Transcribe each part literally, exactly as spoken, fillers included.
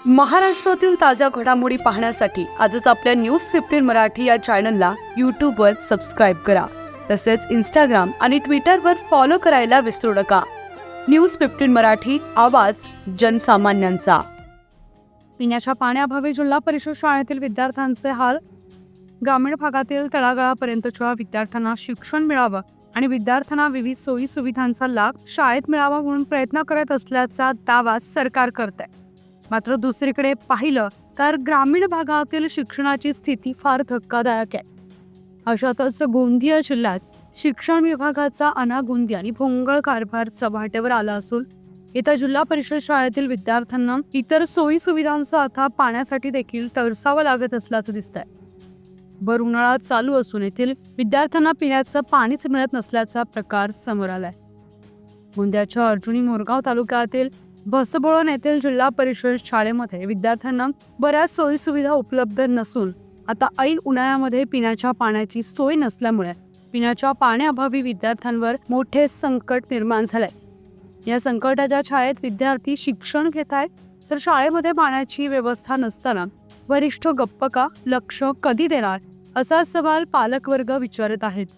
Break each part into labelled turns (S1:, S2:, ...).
S1: महाराष्ट्रातील ताज्या घडामोडी पाहण्यासाठी आजच आपल्या न्यूज फिफ्टीन मराठी या चॅनलला यूट्यूबवर सबस्क्राईब करा. तसेच इंस्टाग्राम आणि ट्विटरवर फॉलो करायला विसरू नका. न्यूज फिफ्टीन मराठी, आवाज जनसामान्यांचा.
S2: पिण्याच्या पाण्याअभावी जिल्हा परिषद शाळेतील विद्यार्थ्यांचे हाल. ग्रामीण भागातील तळागाळापर्यंतच्या विद्यार्थ्यांना शिक्षण मिळावं आणि विद्यार्थ्यांना विविध सोयी सुविधांचा लाभ शाळेत मिळावा म्हणून प्रयत्न करत असल्याचा दावा सरकार करत आहे. मात्र दुसरीकडे पाहिलं तर ग्रामीण भागातील शिक्षणाची स्थिती फार धक्कादायक आहे. अशातच गोंदिया जिल्ह्यात शिक्षण विभागाचा अनागोंदी आणि भोंगळ कारभार चव्हाट्यावर आला असून इथं जिल्हा परिषद शाळेतील विद्यार्थ्यांना इतर सोयी सुविधांचा आता पाण्यासाठी देखील तरसावं लागत असल्याचं दिसतंय. भर उन्हाळा चालू असून येथील विद्यार्थ्यांना पिण्याचं पाणीच मिळत नसल्याचा प्रकार समोर आलाय. गोंदियाच्या अर्जुनी मोरगाव तालुक्यातील भसबोळण येथील जिल्हा परिषद शाळेमध्ये विद्यार्थ्यांना बऱ्याच सोयी सुविधा उपलब्ध नसून आता ऐन उन्हाळ्यामध्ये पिण्याच्या पाण्याची सोय नसल्यामुळे पिण्याच्या पाण्याअभावी विद्यार्थ्यांवर मोठे संकट निर्माण झालंय. या संकटाच्या छायेत विद्यार्थी शिक्षण घेत आहेत, तर शाळेमध्ये पाण्याची व्यवस्था नसताना वरिष्ठ गप्प का, लक्ष कधी देणार, असा सवाल पालकवर्ग विचारत आहेत.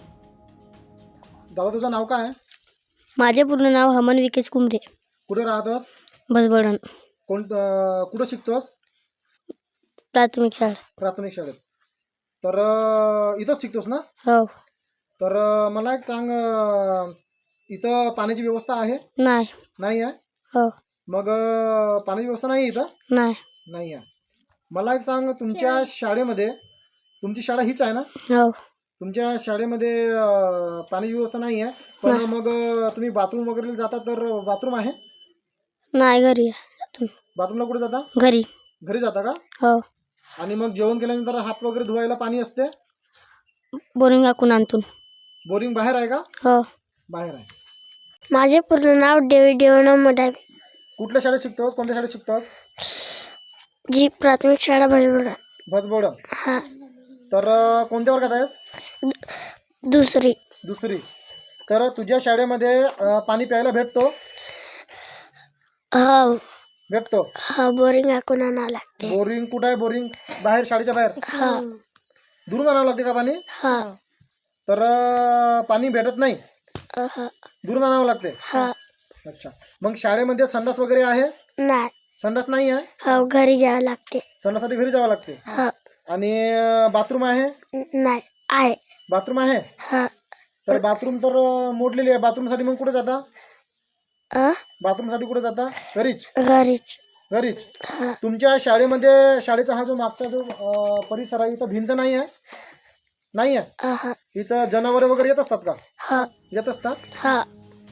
S3: दादा, तुझं नाव काय आहे?
S4: माझे पूर्ण नाव हमन विकेश कुमरे.
S3: कुठे राहतोस?
S4: भसबोळण.
S3: कोण अं, कुठं शिकतोस?
S4: प्राथमिक शाळा.
S3: प्राथमिक शाळेत. तर अं, इथंच शिकतोस ना?
S4: हो.
S3: तर अं, मला एक सांग, अं, इथं पाण्याची व्यवस्था आहे?
S4: नाही.
S3: नाही आहे?
S4: हो.
S3: मग अं, पाण्याची व्यवस्था नाही आहे इथं?
S4: नाही.
S3: नाही आहे. मला एक सांग, तुमच्या शाळेमध्ये, तुमची शाळा हीच आहे ना?
S4: हो.
S3: तुमच्या शाळेमध्ये अं, पाण्याची व्यवस्था नाही आहे, पण मग अं, तुम्ही बाथरूम वगैरे जाता, तर बाथरूम आहे?
S4: नाही, घरी आहे.
S3: बाथरूमला कुठे जाता?
S4: घरी.
S3: घरी जाता का?
S4: हो.
S3: आणि मग जेवण केल्यानंतर हात वगैरे धुवायला पाणी असते?
S4: बोरिंग आखून आणतून.
S3: बोरिंग बाहेर आहे का?
S4: हो.
S3: बाहेर आहे.
S4: माझे पूर्ण नाव देवी देवना मोठा.
S3: कुठल्या शाळेत शिकतोस? कोणत्या शाळेत शिकतोस?
S4: जी प्राथमिक शाळा भसबोळण.
S3: भसबोळण.
S4: हा.
S3: तर अं, कोणत्या वर्गात आहेस?
S4: दुसरी.
S3: दुसरी. तर तुझ्या शाळेमध्ये अं, पाणी प्यायला भेटतो?
S4: हो.
S3: भेटतो.
S4: हा. बोरिंग आखून आणावं लागते.
S3: बोरिंग कुठं आहे? बोरिंग बाहेर, शाळेच्या बाहेर?
S4: हा.
S3: दुरून आणावं लागते का पाणी?
S4: हा.
S3: तर अं, पाणी भेटत नाही,
S4: हा.
S3: दुरून आणावं लागते?
S4: हा.
S3: अच्छा. मग शाळेमध्ये संडास वगैरे आहे?
S4: नाही.
S3: संडास नाही आहे?
S4: हो. घरी जावं लागते.
S3: संडासाठी घरी जावं लागते.
S4: हा.
S3: आणि बाथरूम आहे?
S4: नाही. आहे.
S3: बाथरूम आहे?
S4: हा.
S3: तर बाथरूम तर अं, मोडलेली आहे. बाथरूमसाठी मग कुठे जाता?
S4: अ?
S3: बाथरूमसाठी कुठे जाता? घरीच?
S4: घरीच.
S3: घरीच.
S4: हा.
S3: तुमच्या शाळेमध्ये, शाळेचा हा जो मागचा जो अं, परिसर आहे, इथं भिंत नाही आहे? नाही आहे?
S4: हा.
S3: इथं जनावरे वगैरे येत असतात का?
S4: हा.
S3: येत असतात?
S4: हा.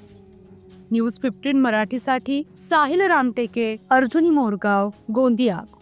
S2: न्यूज फिफ्टीन मराठीसाठी साहिल रामटेके, अर्जुनी मोरगाव, गोंदिया.